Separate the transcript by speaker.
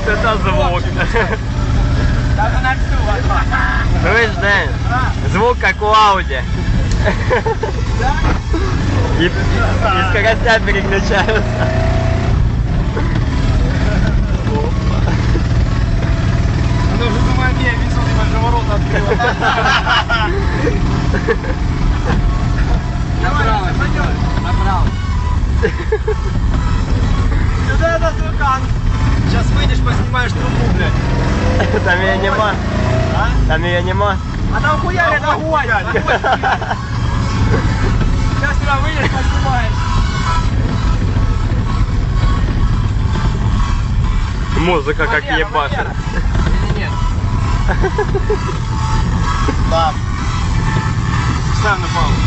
Speaker 1: Вот это звук. Слышь, Дэн, звук как у Ауди. И скоростя переключаются.
Speaker 2: Она уже думает, не, весел, ты же ворота открыла. Направо, направо. Сюда это звукан. Сейчас выйдешь, поснимаешь трубу, блядь.
Speaker 1: Там ее нема.
Speaker 2: А?
Speaker 1: Там ее нема.
Speaker 2: А там хуяли, это огонь. Сейчас сюда выйдешь, поснимаешь.
Speaker 1: Музыка как ебашит.
Speaker 2: Или нет? Да. Ставь на паузу.